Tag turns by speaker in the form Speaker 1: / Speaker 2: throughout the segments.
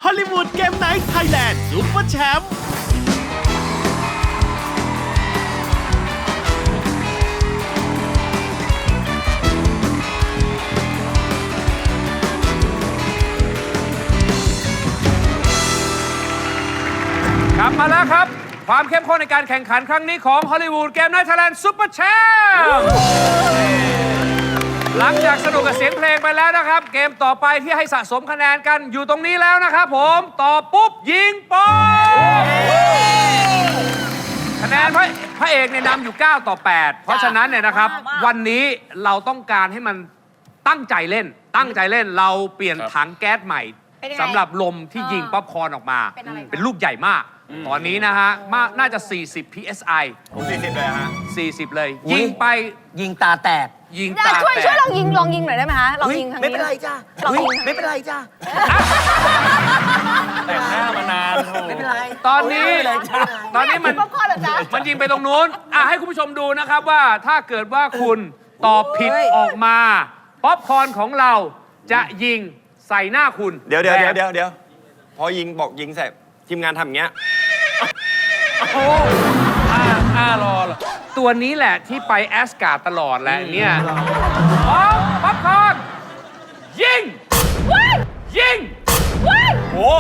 Speaker 1: อลลีวูดเกมไนท์ไทยแลนด์ซุปเปอร์แชมป์
Speaker 2: กลับมาแล้วครับความเข้มข้นในการแข่งขันครั้งนี้ของฮอลลีวูดเกมไนท์ไทยแลนด์ซุปเปอร์แชมป์หลังจากสนุกกับเสียงเพลงไปแล้วนะครับเกมต่อไปที่ให้สะสมคะแนนกันอยู่ตรงนี้แล้วนะครับผมต่อปุ๊บยิงป๊อบคะแนนพระเอกเนี่ยนำอยู่9 ต่อ 8เพราะฉะนั้นเนี่ยนะครับวันนี้เราต้องการให้มันตั้งใจเล่นเราเปลี่ยนถังแก๊สใหม่สำหรับลมที่ยิงป๊อปคอร์นออกมาเป็นลูกใหญ่มากตอนนี้นะฮะน่าจะ40 psi
Speaker 3: 40เลยฮะ
Speaker 2: 40เลยยิงไป
Speaker 4: ยิงตาแตก
Speaker 2: ยิงตาแตก
Speaker 5: ช่วยลองยิงหน่อยได้ไหมคะลองยิงทางนี้
Speaker 4: ไม่เป็นไรจ้าไม่เป็นไรจ้า
Speaker 3: แต่งหน้ามานาน
Speaker 4: ไม่เป็นไร
Speaker 2: ตอนนี้มัน
Speaker 5: ป๊อปคอร์นเหรอจ๊ะ
Speaker 2: มันยิงไปตรงนู้นให้คุณผู้ชมดูนะครับว่าถ้าเกิดว่าคุณตอบผิดออกมาป๊อปคอร์นของเราจะยิงใส่หน้าคุณ
Speaker 3: เดี๋ยวพอยิงบอกยิงเสร็จทีมงานทำอย่างเงี้ย
Speaker 2: รอตัวนี้แหละที่ไปแอสการ์ดตลอดแหละเนี่ยป๊อปคอร์นยิง
Speaker 3: โอ้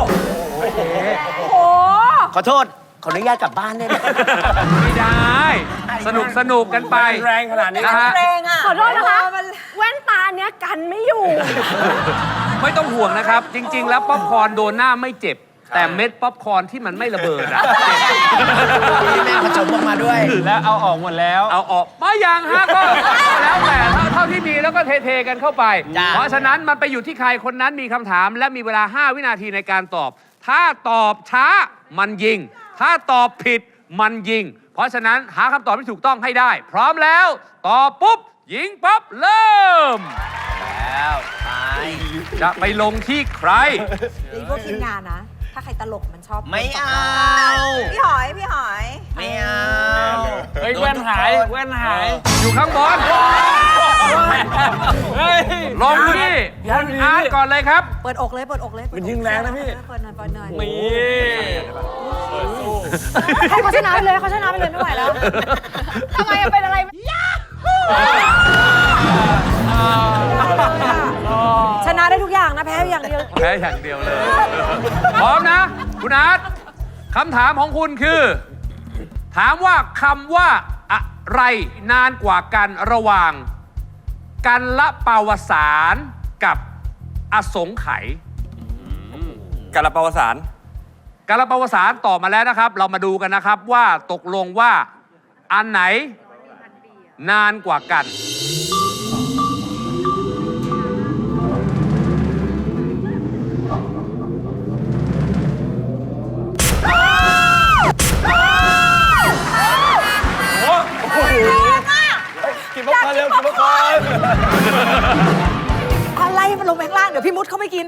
Speaker 4: ขอโทษ ขออนุญาตกลับบ้านได้ไหม
Speaker 2: ไม่ได้สนุกกันไป
Speaker 3: แรงขนาดนี้
Speaker 2: นะฮะ
Speaker 5: ขอโทษนะคะแว่นตาเนี้ยกันไม่อยู่
Speaker 2: ไม่ต้องห่วงนะครับ จริง ๆ แล้วป๊อปคอร์นโดนหน้าไม่เจ็บ แต่เม็ดป๊อปคอร์นที่มันไม่ระเบิดอะ
Speaker 4: ที่แม่ผสมออกมาด้วย
Speaker 3: แล้วเอาออกหมดแล้ว
Speaker 2: เอาออกมาอย่างฮะก็แล้วแต่เท่าที่มีแล้วก็เทกันเข้าไป
Speaker 4: จ้ะ
Speaker 2: เพราะฉะนั้นมันไปอยู่ที่ใครคนนั้นมีคำถามและมีเวลา5 วินาทีในการตอบ ถ้าตอบช้ามันยิง ถ้าตอบผิดมันยิง เพราะฉะนั้นหาคำตอบที่ถูกต้องให้ได้ พร้อมแล้วตอบปุ๊บยิงปั๊บเริ่ม
Speaker 4: แล้วไป
Speaker 2: จะไปลงที่ใคร
Speaker 6: นี่พวกทีมงานนะ ถ้าใครตลกมันชอบ
Speaker 4: ไม่เอา
Speaker 6: พี่หอย
Speaker 4: ไม่เอา
Speaker 3: เฮ้ยแว่นหาย
Speaker 2: อยู่ข้างบน
Speaker 3: เฮ้ย
Speaker 2: ลงที่คุณอาร์ตก่อนเลยครับ
Speaker 6: เปิดอกเลย
Speaker 3: มันยิงแรงนะพี่
Speaker 6: เปิดหน่อย
Speaker 3: มี
Speaker 5: ให้เขาชนะไปเลยไม่ไหวแล้วทำไมเป็นอะไร
Speaker 6: ชนะได้ทุกอย่างนะแพ้อย่างเดียว
Speaker 2: แพ้อย่างเดียวเลย พร้อมนะ คุณอาร์ตคำถามของคุณคือ ถามว่าคำว่าอะไรนานกว่ากันระหว่างกันละปาวสารกับอสงไขย
Speaker 3: กาลปาวสาร
Speaker 2: กันละปาวสารตอบมาแล้วนะครับ เรามาดูกันนะครับว่าตกลงว่าอันไหนนานกว่ากัน
Speaker 3: กินมะพร้าวเร็วกินมะพร้าว
Speaker 6: อะไรมันลงไปข้างล่างเดี๋ยวพี่มุดเขาไม่กิน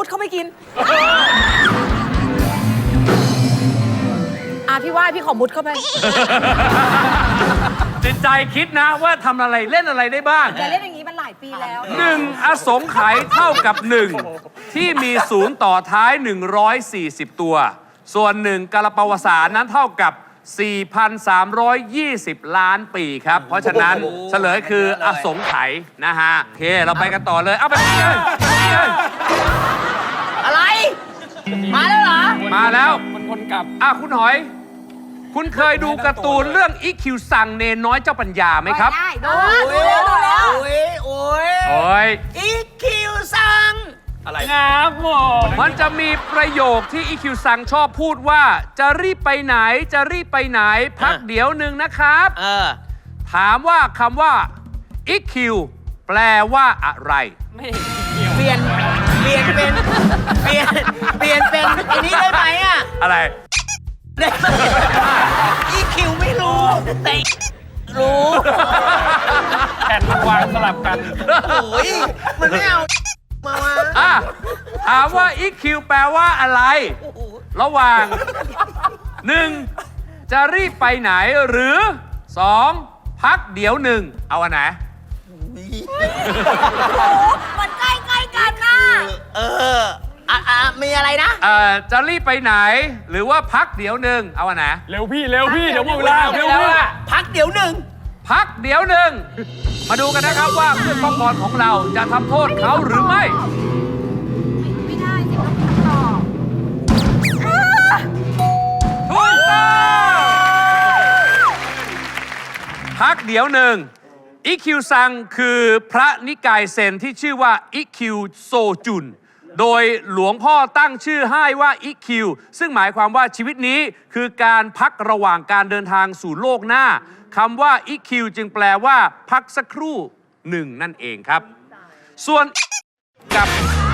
Speaker 6: พี่ว่าพี่ขอมุดเข้าไป
Speaker 2: จิตใจคิดนะว่าทำอะไรเล่นอะไรได้บ้าง
Speaker 6: อย่าเล่นอย่างนี้มันหลายปีแล้ว
Speaker 2: 1 อสงไขยเท่ากับ 1 ที่มีศูนย์ต่อท้าย 140 ตัว ส่วน 1กาลปาวสารนั้นเท่ากับ 4,320 ล้านปีครับ เพราะฉะนั้นเฉลยคืออสงไขยนะฮะโอเคเราไปกันต่อเลยเอาไปเลย
Speaker 4: อะไร มาแล้วเหรอ
Speaker 2: มาแล้ว
Speaker 3: มันคนกลับ
Speaker 2: คุณหอย คุณเคยดูการ์ตูนเรื่องอีคิวซังเนนน้อยเจ้าปัญญาไหมครับ
Speaker 6: ได้ดูแล้ว
Speaker 2: โอ้ย
Speaker 4: อีคิวซัง
Speaker 3: อะไรครับหมอ
Speaker 2: มันจะมีประโยคที่อีคิวซังชอบพูดว่าจะรีบไปไหนพักเดี๋ยวหนึ่งนะครับ ถามว่าคำว่าอีคิวแปลว่าอะไร
Speaker 4: เปลี่ยนเป็นอันนี้ได้ไหมอ่ะ
Speaker 2: อะไร
Speaker 4: ได้ไหมอีคิวไม่รู้แต่รู้
Speaker 3: แผ่นมันวางสลับกัน
Speaker 4: โอ้ยมันไม่เอามาวะ
Speaker 2: ถามว่า EQ แปลว่าอะไร ระหว่าง 1. จะรีบไปไหนหรือ 2. พักเดี๋ยวหนึ่งเอาอันไหน
Speaker 6: มันใกล้กันนะ
Speaker 4: มีอะไรนะ
Speaker 2: จะรีบไปไหน หรือว่าพักเดี๋ยวหนึ่งเอาอันไหน
Speaker 7: เร็วพี่เดี๋ยวหมดเวลาเร็วพี่
Speaker 4: พักเดี๋ยวหนึ่ง
Speaker 2: พักเดี๋ยวหนึ่งมาดูกันนะครับว่าเพื่อนป้องกรของเราจะทำโทษเขาหรือไม่
Speaker 5: ไม่ได้สิต้องคำตอบ
Speaker 2: ถูกต้องพักเดี๋ยวหนึ่งอิคิวซังคือพระนิกายเซนที่ชื่อว่าอิคิวโซจุนโดยหลวงพ่อตั้งชื่อให้ว่าอิคิวซึ่งหมายความว่าชีวิตนี้คือการพักระหว่างการเดินทางสู่โลกหน้าคำว่าอิคิวจึงแปลว่าพักสักครู่หนึ่งนั่นเองครับ ส่วนกับ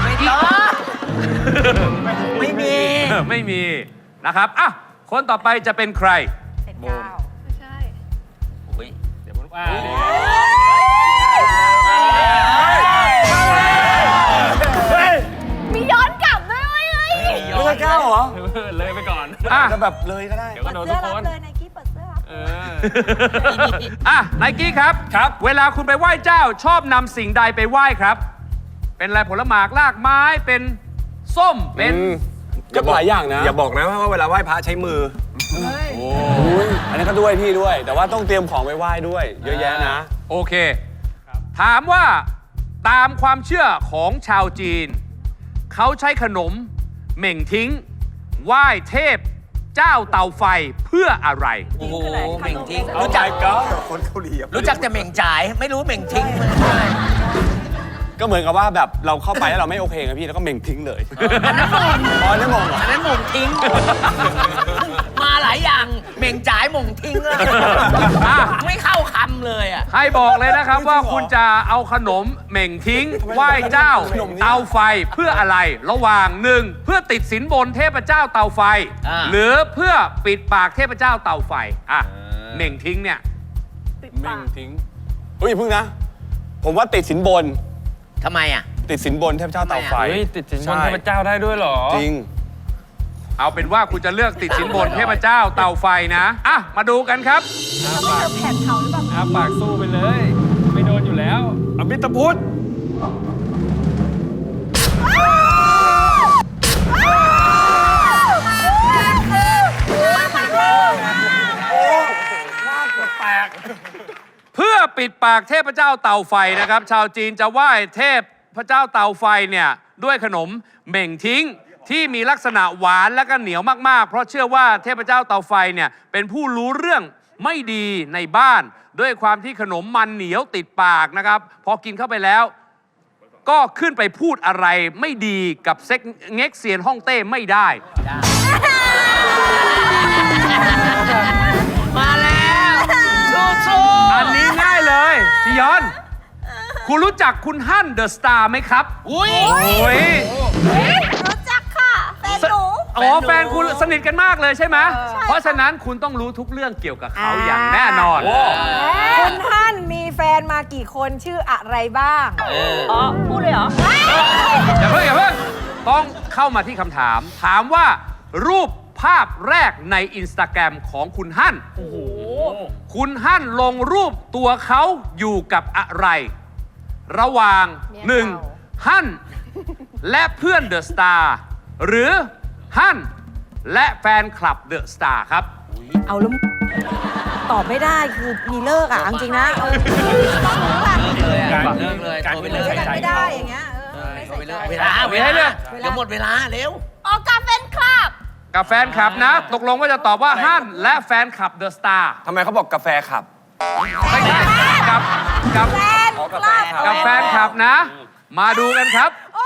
Speaker 4: ไม่มี
Speaker 2: ไม่มีนะครับอ่ะคนต่อไปจะเป็นใคร
Speaker 5: เก้าไม่ใช่
Speaker 7: เดี๋ยวผม
Speaker 5: มีย้อนกลับด้วยเว้ย
Speaker 3: ไม่ใช่ก้าวเหรอ
Speaker 7: เลยไปก่อน
Speaker 2: อ่ะ
Speaker 3: จะแบบเลยก็ได้
Speaker 7: เดี๋ยวก็โดน
Speaker 6: เสื้
Speaker 7: ทุ
Speaker 6: อก
Speaker 7: ค
Speaker 6: รับ
Speaker 7: น
Speaker 6: เลยไนกี้เปิดเสื้อรับ
Speaker 2: อ่ะไนกี้ครับ
Speaker 7: ครับ
Speaker 2: เวลาคุณไปไหว้เจ้าชอบนำสิ่งใดไปไหว้ครับ เป็นอะไรผลหมากลากไม้เป็นส้มเป็น
Speaker 3: อย่าบอกอย่าบอกนะว่าเวลาไหว้พระใช้มืออันนี้ก็ด้วยพี่ด้วย แต่ว่าต้องเตรียมของไปไหว้ด้วย เยอะแยะนะ
Speaker 2: โอเค ถามว่าตามความเชื่อของชาวจีน เขาใช้ขนมเหม่งทิ้ง ไหว้เทพเจ้าเตาไฟเพื่ออะไร
Speaker 4: โอ้โหเหม่งทิ้ง
Speaker 3: รู้
Speaker 4: รู้
Speaker 3: จั
Speaker 4: จั
Speaker 3: ก
Speaker 4: ก
Speaker 3: ก็คนเกาหลี
Speaker 4: รู้จักแต่เหม่งจ่าย ไม่รู้เหม่งทิ้งมันคืออะไร
Speaker 3: ก็เหมือนกับว่าแบบเราเข้าไปแล้วเราไม่โอเคไงพี่แล้วก็เม่งทิ้งเลยอันนั้นมงอ๋อนั่นมงเหรอ
Speaker 4: อันนั้นหม่งทิ้ง มาหลายอย่างเหม่งจ่ายหม่งทิ้งเลย
Speaker 2: อ่ะ
Speaker 4: ไม่เข้าคำเลยอ่ะ
Speaker 2: ให้บอกเลยนะครับว่าคุณจะเอาขนมเหม่งทิ้ง ไหว้เจ้าเตาไฟเพื่ออะไร ระหว่างหนึ่งเพื่อติดสินบนเทพเจ้าเตาไฟ
Speaker 4: อ่า
Speaker 2: หรือเพื่อปิดปากเทพเจ้าเตาไฟอ่ะเหม่งทิ้งเนี่ย
Speaker 7: เม่งทิ้ง
Speaker 3: เฮ้ยอย่าเพิ่งนะ ผมว่าติดสินบน
Speaker 4: ทำไมอ่ะ
Speaker 3: ติดสินบนเทพเจ้าเตาไฟ
Speaker 7: เฮ้ยติดสินบนเทพเจ้าได้ด้วยเหรอ
Speaker 3: จริง
Speaker 2: เอาเป็นว่าคุณจะเลือกติดสินบนเทพเจ้าเตาไฟนะอ่ะมาดูกันครับ
Speaker 5: เราไม่เจอแผ่นเขาหรือเปล่า
Speaker 7: อาปากสู้ไปเลย ไม่โดนอยู่แล้ว
Speaker 3: อมิตพุทธ
Speaker 2: เพื่อปิดปากเทพเจ้าเตาไฟนะครับ ชาวจีนจะไหว้เทพพระเจ้าเตาไฟเนี่ยด้วยขนมเหม่งทิ้งที่มีลักษณะหวานและก็เหนียวมากๆ เพราะเชื่อว่าเทพเจ้าเตาไฟเนี่ยเป็นผู้รู้เรื่องไม่ดีในบ้าน ด้วยความที่ขนมมันเหนียวติดปากนะครับ พอกินเข้าไปแล้ว ก็ขึ้นไปพูดอะไรไม่ดีกับเซ็กเง็กเซียนฮ่องเต้ไม่ได้
Speaker 4: มาแล้วสู้
Speaker 2: อันนี้ง่ายเลยจียอน คุณรู้จักคุณฮั่นเดอะสตาร์ไหมครับ
Speaker 4: ๆอุ้ย
Speaker 2: โอ้ย
Speaker 5: รู้จักค่ะแฟนหนู
Speaker 2: อ๋อแฟนคุณสนิทกันมากเลยใช่ไหมเพราะฉะนั้นคุณต้องรู้ทุกเรื่องเกี่ยวกับเขาอย่างแน่นอน
Speaker 6: คุณท่านมีแฟนมากี่คนชื่ออะไรบ้าง
Speaker 5: อ๋อ พูดเลยเหรอ
Speaker 2: อย่าเพิ่งต้องเข้ามาที่คำถาม ถามว่ารูปภาพแรกในอินสตาแกรมของคุณฮั่นคุณฮั่นลงรูปตัวเขาอยู่กับอะไร ระหว่าง 1. ฮั่นและเพื่อนเดอะสตาร์หรือฮั่นและแฟนคลับเดอะสตาร์ครับ
Speaker 6: เอาแล้วตอบไม่ได้คือมีเลิกอ่ะเอาจริงนะต้องรู้อ่ะ
Speaker 7: การ
Speaker 4: เลิกเลย
Speaker 7: การ
Speaker 4: โทรไป
Speaker 7: ไม่
Speaker 4: เล
Speaker 7: ได้
Speaker 4: ย
Speaker 7: ใส่ใจ
Speaker 6: ไม่ได้
Speaker 7: เขา
Speaker 6: อย่างเงี้ยไม่
Speaker 4: โทร
Speaker 6: ใส่
Speaker 4: ไป
Speaker 6: ใจ
Speaker 4: เลยเวลา
Speaker 2: ไม่ให้เลือก
Speaker 4: เดี๋ยวหมดเวลาเร็ว
Speaker 5: ออกกับแฟนคลับ
Speaker 2: กับแฟนคลับนะ ตกลงว่าจะตอบว่าฮั่นและแฟนคลับเดอะสตาร์
Speaker 3: ทำไมเขาบอกกาแฟขับ
Speaker 2: ไม่ใช่กับ
Speaker 6: แฟน
Speaker 3: อ๋อกาแฟครับ
Speaker 2: กับแฟนคลับนะ มาดูกันครับ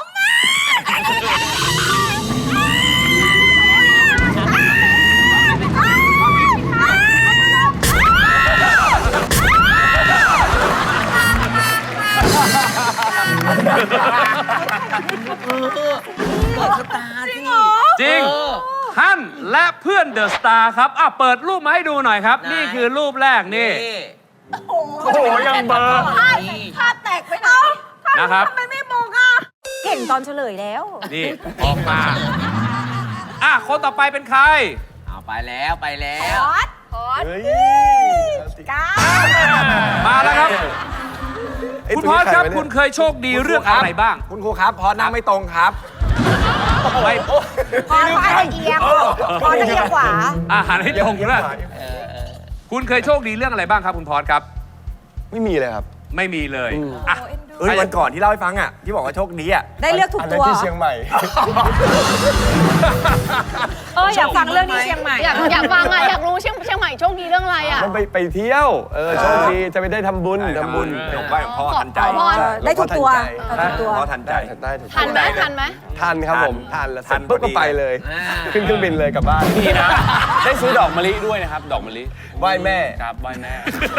Speaker 4: เปิดสตาร์ที่
Speaker 2: จริง ฮั่นและเพื่อนเดอะสตาร์ครับอ่ะเปิดรูปมาให้ดูหน่อยครับ นี่คือรูปแรกนี่
Speaker 7: โอ้โหยังเบอร์
Speaker 6: ภาพแตกไปไหน
Speaker 2: นะครับ
Speaker 6: ทำไมไม่มองอ่ะเก่งตอนเฉลยแล้ว
Speaker 2: นี่ออกมาอ่ะคนต่อไปเป็นใคร
Speaker 4: เอาไปแล้วไปแล้ว
Speaker 3: เฮ้ย
Speaker 2: มาแล้วครับ คุณพอสครับ คุณเคยโชคดีเรื่องอะไรบ้าง
Speaker 3: คุณครูครับพอนั่งไม่ตรงครับ
Speaker 2: ไม่
Speaker 5: พออาจจะเอียงพอจะเอียงขวา
Speaker 2: อาหารให้ตรงด้วยคุณเคยโชคดีเรื่องอะไรบ้างครับคุณพอสครับ
Speaker 3: ไม่มีเลยครับ
Speaker 2: ไม่มีเลยอ่ะ
Speaker 3: วันก่อนที่เล่าให้ฟังอ่ะที่บอกว่าโชคดีอ่ะ
Speaker 6: ได้เลือกถูกตัว
Speaker 3: ที่เชียงใหม่
Speaker 6: อยากฟังเรื่องนี้เชียงใหม่
Speaker 5: อยากฟังอ่ะอยากรู้เชียงใหม่โชคดีเรื่องอะไรอ่ะ
Speaker 3: มันไปเที่ยวโชคดีจะไปได้ทำบุญ
Speaker 2: ทำบุญ
Speaker 3: ไหว้พ่อทันใจ
Speaker 5: ขอพร
Speaker 6: ได้ถูกตัวได้ถูกตัว
Speaker 3: พ่อทันใจ
Speaker 5: ทันไหมทันไหม
Speaker 3: ทันครับผมทันแล้วเสร็จปุ๊บก็ไปเลย ขึ้นเครื่องบินเลยกลับบ้านนี่นะได้ซื้อดอกมะลิด้วยนะครับ ดอกมะลิไหว้แม่ครับไหว้แม่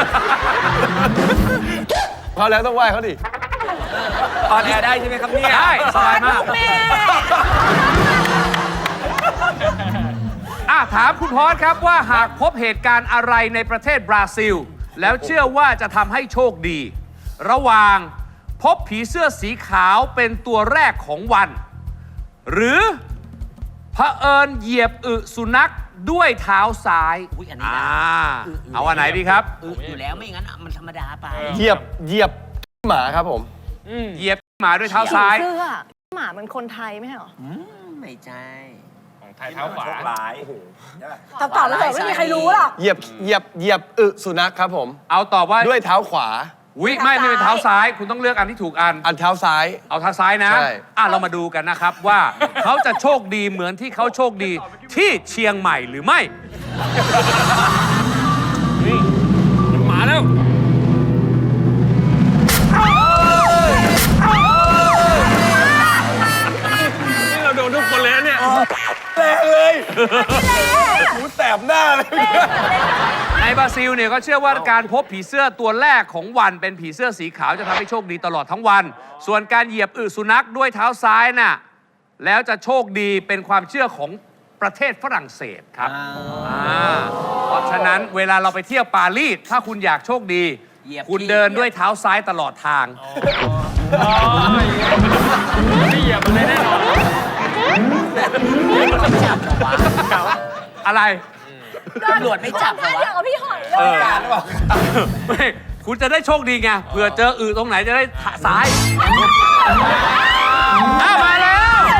Speaker 3: พอแล้วต้องไหว้เขาดิออนแอร์ได้ใช่ไหมครับเนี่ย
Speaker 2: ได้สบายมากถามคุณพอสครับว่าหากพบเหตุการณ์อะไรในประเทศบราซิล แล้วเชื่อว่าจะทำให้โชคดี ระหว่างพบผีเสื้อสีขาวเป็นตัวแรกของวัน หรือเผอิญเหยียบอึสุนัขด้วยเท้าซ้าย
Speaker 4: อุ๊ยอันนี้นะ
Speaker 2: เอาอันไหนดีครับ
Speaker 4: อยู่แล้วไม่งั้นมันธรรมดาไป
Speaker 3: เหยียบหมาครับผม
Speaker 2: เหยียบหมาด้วยเท้าซ้าย
Speaker 5: เสื้อหมามันคนไทยไม่ใช่หรอ
Speaker 4: ไม่ใช่
Speaker 7: ของไทยเท้าขวา
Speaker 6: คำตอบแล้วเถอะไม่มีใครรู้หรอก
Speaker 3: เหยียบอึสุนัขครับผม
Speaker 2: เอาตอบว่า
Speaker 3: ด้วยเท้าขวา
Speaker 2: อุ๊ยไม่เป็นเท้าซ้าย คุณต้องเลือกอันที่ถูกอัน
Speaker 3: อันเท้าซ้าย
Speaker 2: เอาเท้าซ้ายนะ
Speaker 3: ใช่
Speaker 2: เรามาดูกันนะครับว่า เขาจะโชคดีเหมือนที่เขาโชคดีที่เชียงใหม่หรือไม่
Speaker 7: มันมาแล้ว นี่เราโดนทุกคนเลยนะเนี่ย
Speaker 3: แรงเลยหูแสบหน้าเลย
Speaker 2: ในบราซิลเนี่ยก็เชื่อว่าการพบผีเสื้อตัวแรกของวันเป็นผีเสื้อสีขาวจะทำให้โชคดีตลอดทั้งวัน ส่วนการเหยียบอึสุนัขด้วยเท้าซ้ายน่ะแล้วจะโชคดีเป็นความเชื่อของประเทศฝรั่งเศสครับเพราะฉะนั้นเวลาเราไปเที่ยวปารีสถ้าคุณอยากโชคดี
Speaker 4: เหยียบ
Speaker 2: คุณเดินด้วยเท้าซ้ายตลอดทาง
Speaker 7: นี่เหยียบมันเลยแน่นอน
Speaker 4: จับเหรอวะ
Speaker 2: อะไร
Speaker 4: ตำรวจไม่จับเหรอวะ
Speaker 5: กับพี่หอยเลย
Speaker 2: ไม่คุณจะได้โชคดีไงเผื่อเจออึตรงไหนจะได้ซ้ายมาแล้ว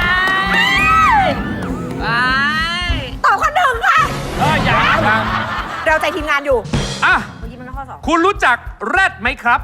Speaker 6: ตอบข้อหนึ่งค่ะ
Speaker 7: ยัง
Speaker 6: เราใจทีมงานอยู่
Speaker 2: อ่ะ
Speaker 6: เมื่อกี้มันข้อสอง
Speaker 2: คุณรู้จักแรดไหมครับ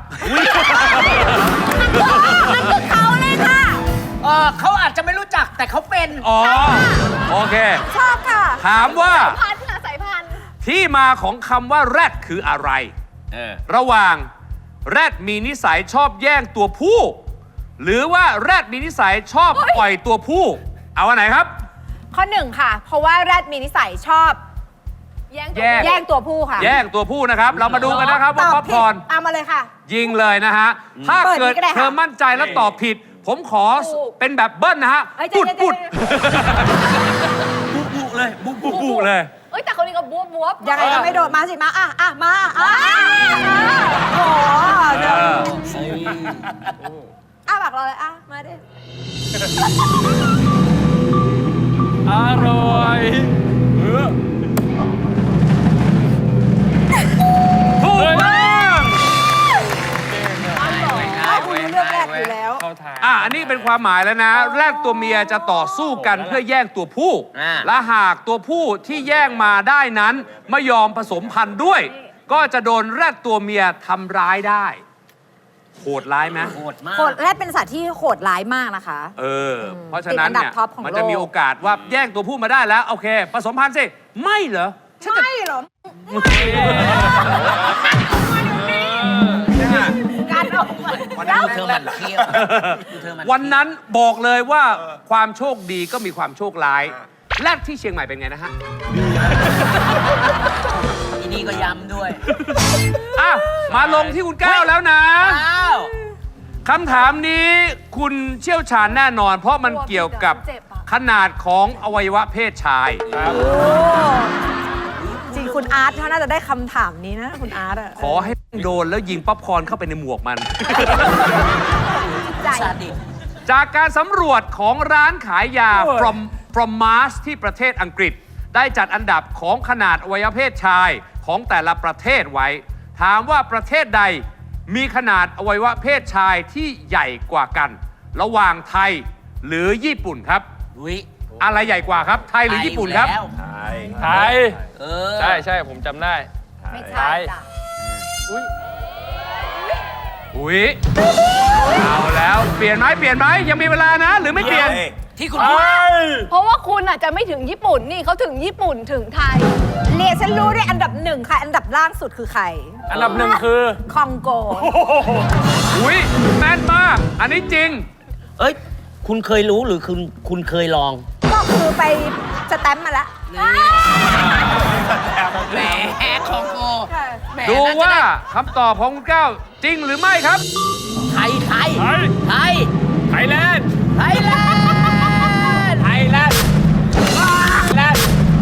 Speaker 6: เขาเลยค่ะ
Speaker 4: เขาอาจจะไม่รู้จักแต่เขาเป็น
Speaker 2: อ๋อ โอเค
Speaker 6: ชอบค่ะ
Speaker 2: ถามว่า
Speaker 5: พันธุ์สายพันธุ์
Speaker 2: ที่มาของคำว่าแรดคืออะไร ระหว่างแรดมีนิสัยชอบแย่งตัวผู้ หรือว่าแรดมีนิสัยชอบปล่อยตัวผู้ เอาอันไหนครับ
Speaker 5: ข้อหนึ่งค่ะ เพราะว่าแรดมีนิสัยชอบแย่งตัวผู้ค่ะ
Speaker 2: แย่งตัวผู้นะครับ เรามาดูกันนะครับว่าป๊อปคอร์น
Speaker 5: เอามาเลยค่ะ
Speaker 2: ยิงเลยนะฮะ ถ้า
Speaker 5: เปิด
Speaker 2: เกิด
Speaker 5: นี่ก็ได้ค่ะ
Speaker 2: เธอมั่นใจแล้วตอบผิด ผมขอเป็นแบบเบิ้ลนะฮะ
Speaker 5: เอ้ย
Speaker 2: ปุด
Speaker 5: ใจเย็น
Speaker 2: ปุด
Speaker 4: บุเลยบุกบุก
Speaker 2: ปุเลย
Speaker 5: เอ้ยแต่คนนี้ก็บวบ
Speaker 6: ยังไงก็ไม่โดดมาสิ มามาโอ้โหเดี๋ยวปากเราเลยมาดิ
Speaker 7: อร่อย
Speaker 2: ถูกต้อง
Speaker 6: คุณเลือกแรกอยู่แล้ว
Speaker 7: เข้าทาง
Speaker 2: อันนี้เป็นความหมายแล้วนะ แรกตัวเมียจะต่อสู้กันเพื่อแย่งตัวผู้ และหากตัวผู้ที่แย่งมาได้นั้นไม่ยอมผสมพันธุ์ด้วย ก็จะโดนแรดตัวเมียทำร้ายได้ โหดร้ายไหม
Speaker 4: โหดมาก
Speaker 6: โหดแรกเป็นสัตว์ที่โหดร้ายมากนะคะ
Speaker 2: เพราะฉะนั้นเนี่ย
Speaker 6: ติดอันดับท็อปของโลก
Speaker 2: มันจะมีโอกาสว่าแย่งตัวผู้มาได้แล้ว โอเค ผสมพันธุ์สิ ไม่เหรอ
Speaker 6: ไม่หรอ
Speaker 5: การออกมา
Speaker 4: ดูเธอมันเที่ยวดูเธอมัน
Speaker 2: วันนั้นบอกเลยว่าความโชคดีก็มีความโชคร้าย แรกที่เชียงใหม่เป็นไงนะฮะ
Speaker 4: อีนี่ก็ย้ำด้วย
Speaker 2: มาลงที่คุณก้าวแล้วนะ
Speaker 4: อ้าว
Speaker 2: คำถามนี้คุณเชี่ยวชาญแน่นอน เพราะมันเกี่ยวกับขนาดของอวัยวะเพศชาย
Speaker 6: จริงคุณอาร์ตเขาน่าจะได้คำถามนี้นะ คุณอาร์ตอะ
Speaker 2: ขอให้โดนแล้วยิงป๊อปคอร์นเข้าไปในหมวกมัน
Speaker 4: ซาดิส
Speaker 2: จากการสำรวจของร้านขายยา from Mars ที่ประเทศอังกฤษ ได้จัดอันดับของขนาดอวัยวะเพศชายของแต่ละประเทศไว้ ถามว่าประเทศใดมีขนาดอวัยวะเพศชายที่ใหญ่กว่ากัน ระหว่างไทยหรือญี่ปุ่นครับ
Speaker 4: อุ้ย
Speaker 2: อะไรใหญ่กว่าครับ ไทยหรือญี่ปุ่นครับ
Speaker 4: แล้ว
Speaker 7: ไทย
Speaker 4: เออ
Speaker 7: ใช่ใช่ผมจำได้
Speaker 5: ไม่ใช่จ้ะ
Speaker 2: อุ๊ยเอาแล้วเปลี่ยนไหมเปลี่ยนไหมยังมีเวลานะ หรือไม่เปลี่ยน
Speaker 4: ที่คุณพูด
Speaker 5: เพราะว่าคุณอาจจะไม่ถึงญี่ปุ่นนี่เขาถึงญี่ปุ่นถึงไทยเรียนฉันรู้ด้วยอันดับหนึ่งค่ะ อันดับล่างสุดคือใคร
Speaker 7: อันดับหนึ่งคือ
Speaker 5: คองโก
Speaker 2: อุ๊ยแม่นมาก อันนี้จริง
Speaker 4: เอ้ย คุณเคยรู้หรือคุณเคยลอง
Speaker 5: ก็คือไปสแตมป์มาแล้ว
Speaker 4: แหมของโกแหม
Speaker 2: ดู
Speaker 4: น่จะ
Speaker 2: ว่า
Speaker 4: ได้
Speaker 2: คำตอบของคุณก้าวจริงหรือไม่ครับ
Speaker 4: ไทย ไทย
Speaker 7: ไทย
Speaker 4: ไทย
Speaker 7: ไทยแลนด์
Speaker 4: ไทยแลนด์
Speaker 7: ไทยแลนด์แลนด์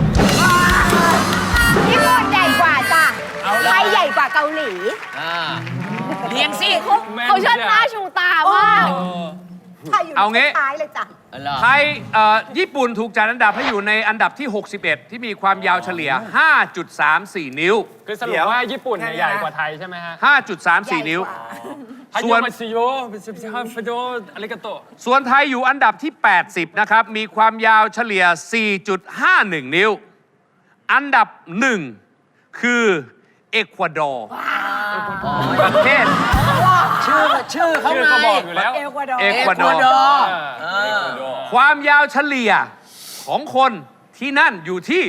Speaker 5: ญี่ปุ่นใหญ่กว่าจ้ะไทยใหญ่กว่าเกาหลี
Speaker 4: เรียงสิ
Speaker 5: เขาเชิดหน้าชูตามากไทยอยู่
Speaker 2: เอางี้
Speaker 5: ท้ายเลยจ้ะ
Speaker 2: ไทยญี่ปุ่นถูกจัดอันดับให้อยู่ในอันดับที่ 61 ที่มีความยาวเฉลี่ย 5.34 นิ้ว
Speaker 7: คือสรุปว่าญี่ปุ่นเนี่ยใหญ่กว่าไทยใช่ไหมฮะ
Speaker 2: 5.34 นิ้ว
Speaker 7: ส่
Speaker 2: ส่
Speaker 7: ว
Speaker 2: วน น
Speaker 7: มาซิโยฮาฟโดอาริกาโต
Speaker 2: ส่วนไทยอยู่อันดับที่ 80 นะครับ มีความยาวเฉลี่ย 4.51 นิ้ว อันดับ 1 คือเอกวาดอร์ประเทศ
Speaker 4: ชื่อเขา
Speaker 7: ชื่อ
Speaker 4: ไง
Speaker 7: ก็บอกอยู่แล้ว
Speaker 5: เอลกวาดอร์
Speaker 2: เอกวาดอร์ ความยาวเฉลี่ยของคนที่นั่นอยู่ที่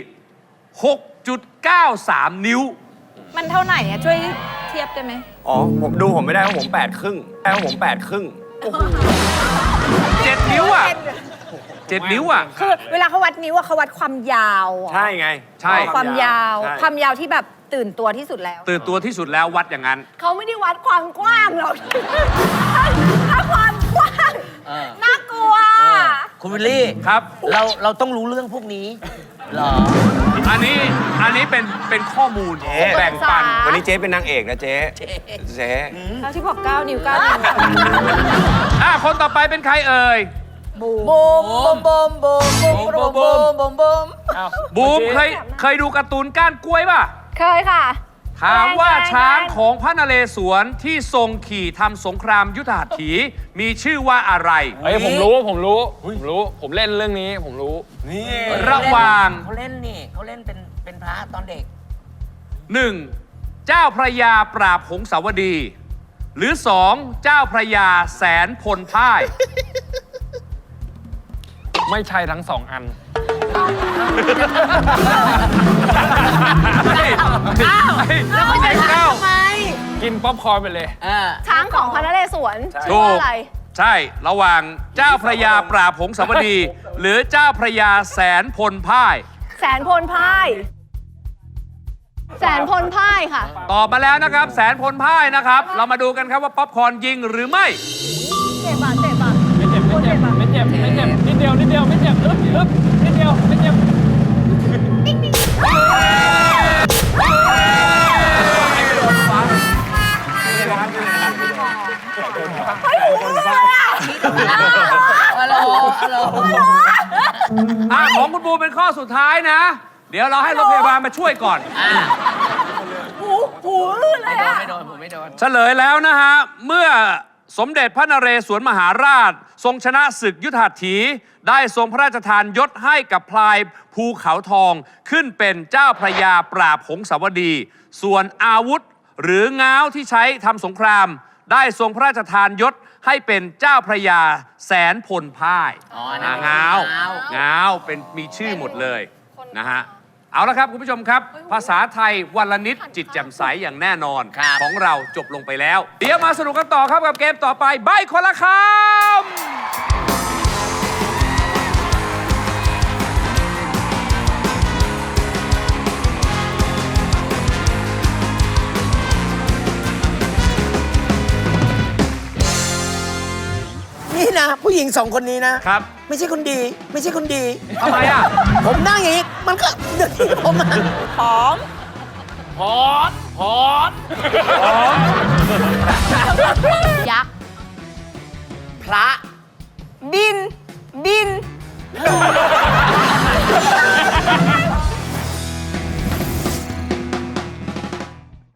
Speaker 2: 6.93 นิ้ว
Speaker 5: มันเท่าไหร่อะช่วยเทียบได้ไหม
Speaker 3: อ๋อผมไม่ได้เพราะผม8 ครึ่งผม8 ครึ่ง
Speaker 2: 7 นิ้วอ่ะ 7 นิ้วอ่ะ
Speaker 5: คือเวลาเขาวัดนิ้วอะเขาวัดความยาวอะ
Speaker 3: ใช่ไง
Speaker 2: ใช่
Speaker 5: ความยาว
Speaker 3: ใช่
Speaker 5: ความยาวที่แบบตื่นตัวที่สุดแล้ว
Speaker 2: ตื่นตัวที่สุดแล้ววัดอย่างนั้น
Speaker 5: เขาไม่ได้วัดความกว้างหรอก ถ้าความกว้างน่ากลัว
Speaker 4: คุณวิลลี่
Speaker 2: ครับ
Speaker 4: เราต้องรู้เรื่องพวกนี้เหรอ
Speaker 2: อันนี้เป็นข้อมูลแบ่งปัน
Speaker 3: วันนี้เจ๊เป็นนางเอกนะเจ๊ เจ๊
Speaker 5: แล้วที่บอก9 นิ้ว9 นิ้ว
Speaker 2: คนต่อไปเป็นใครเอ่ย
Speaker 5: บูมบูมบูมบูมบูมบูมบูมบูมบูม
Speaker 7: อ้าว
Speaker 2: บูม
Speaker 7: เมื่อ
Speaker 2: เค
Speaker 7: กี้
Speaker 2: ยเคยดูการ์ตูนก้านกล้วยป่ะ
Speaker 5: เคยค่ะ
Speaker 2: ถามว่า
Speaker 5: แรงๆ
Speaker 2: ช้างของพระนเรศวรที่ทรงขี่ทำสงครามยุทธหัตถี มีชื่อว่าอะไร
Speaker 7: เฮ้ยผมรู้ผมเล่นเรื่องนี้ผมรู้
Speaker 3: นี่
Speaker 2: ระหว่าง
Speaker 4: เขาเล่นนี่เขาเล่นเป็นพระตอนเด็ก
Speaker 2: 1. เจ้าพระยาปราบหงสาวดี หรือ 2. เจ้าพระยาแสนพลพ่าย
Speaker 7: ไม่ใช่ทั้งสองอัน
Speaker 5: แล้วก็จะถามทำไม
Speaker 7: กินป๊อปคอร์นไปเลย
Speaker 5: ช้างของพระนเรศวรชื่อ
Speaker 2: ถู
Speaker 5: ว่าก อะไร
Speaker 2: ใช่ ระหว่างเจ้าพระยาปราบหงสาวดี หรือเจ้าพระยาแสนพลพ่าย
Speaker 5: แสนพลพ่าย แสนพลพ่ายค่ะ
Speaker 2: ตอบมาแล้วนะครับ แสนพลพ่ายนะครับ เรามาดูกันครับว่าป๊อปคอร์นยิงหรือไม่
Speaker 5: เจ็บอ่ะเจ็บอ่ะ
Speaker 7: ไม่เจ็บไม่เจ็บไม่เจ็บไม่เจ็บนิดเดียวนิดเดียวไม่เจ็บอึ๊บอึ๊บนิดเดียวไม่เจ็บ
Speaker 2: ของคุณบูเป็นข้อสุดท้ายนะ เดี๋ยวเราให้รถพยาบาลมาช่วยก่อน
Speaker 5: หูลื่นเลยอ่ะ
Speaker 4: ไม่โดนผมไม่โดน
Speaker 2: เฉลยแล้วนะฮะ เมื่อสมเด็จพระนเรศวรมหาราช ทรงชนะศึกยุทธหัตถี ได้ทรงพระราชทานยศให้กับพลายภูเขาทอง ขึ้นเป็นเจ้าพระยาปราบหงสาวดี ส่วนอาวุธหรือง้าวที่ใช้ทำสงคราม ได้ทรงพระราชทานยศให้เป็นเจ้าพระยาแสนพลพ่าย
Speaker 4: อ๋อนั่นเป็น
Speaker 2: ง้าว
Speaker 4: ง้าว
Speaker 2: ง้าวเป็นมีชื่อหมดเลยนะฮะ เอาละครับคุณผู้ชมครับ ภาษาไทยวันละนิดจิตแจ่มใสอย่างแน่นอน
Speaker 4: ครับ
Speaker 2: ของเราจบลงไปแล้ว เดี๋ยวมาสนุกกันต่อครับกับเกมต่อไปใบ้คนละคำ
Speaker 8: นี่นะ ผู้หญิง2 คนนี้นะ
Speaker 2: ครับ
Speaker 8: ไม่ใช่คนดี ไม่ใช่คนดี
Speaker 2: ทำไมอ่ะ
Speaker 8: ผมนั่งอย่างนี้ มันก็เดือดที่ผมอะ
Speaker 5: ยักษ์
Speaker 4: พระ